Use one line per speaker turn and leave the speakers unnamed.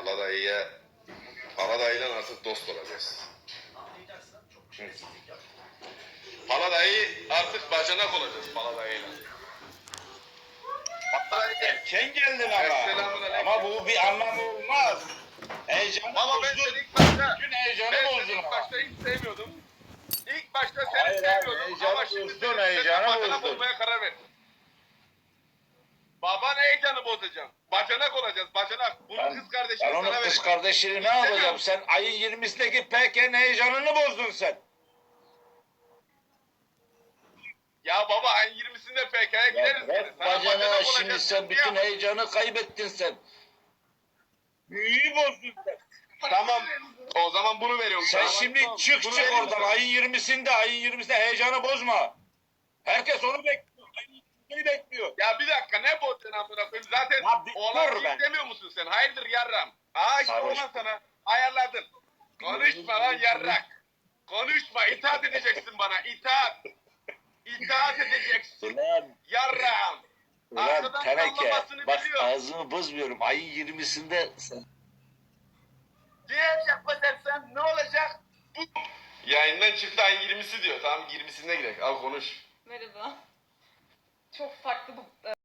Paladayı'yla artık dost olacağız. Paladayı artık bacanak olacağız Paladayı'yla.
Erken geldin ama. Ama bu bir anlamı olmaz. Heyecanı
Ama ben
bozdun.
seni ilk başta,
Bütün heyecanı
ben
bozdun
seni ilk
ama.
başta hiç sevmiyordum. İlk başta seni
Hayır,
sevmiyordum
heyecanı
ama şimdi
bozdun,
senin
heyecanı
bacanak
bozdun.
olmaya karar verdim. Baban heyecanı bozacağım. Bacanak olacağız, bacanak. Bunun kız kardeşini
Ben
sana
onun kız
vereceğim.
kardeşini ne
İstemiyorum.
yapacağım? Sen ayın 20'sindeki PK'nin heyecanını bozdun sen.
Ya baba ayın 20'sinde PK'ya gideriz.
Bırak
Sana
bacana
bacanak
şimdi
olacağız.
sen bütün
Ya.
heyecanı kaybettin sen. Büyüyü bozdun sen.
Tamam. O zaman bunu veriyorum.
Sen
Tamam.
şimdi çık
Bunu
çık
vereyim
oradan
sana.
ayın 20'sinde heyecanı bozma. Herkes onu bekliyor. Ayın 20'sini bekliyor.
Ya bir dakika ne bozacaksın amına koyayım? Zaten
Ya bir
oğlan
dur
kim
be.
demiyor musun sen? Hayırdır yarram? Aa işte
Sarhoş.
oğlan sana ayarladın. Konuşma lan yarrak. Konuşma, itaat edeceksin bana, itaat. İtaat edeceksin.
Ulan,
Yarram.
ulan
Arkadan
teneke.
sallamasını
Bak
biliyorum.
ağzımı bozmuyorum. Ayın 20'sinde sen...
Diğer yapma dersen ne olacak? Yayından çıktı ayın 20'si diyor. Tamam 20'sine gidelim. Al konuş.
Merhaba. Çok farklı bu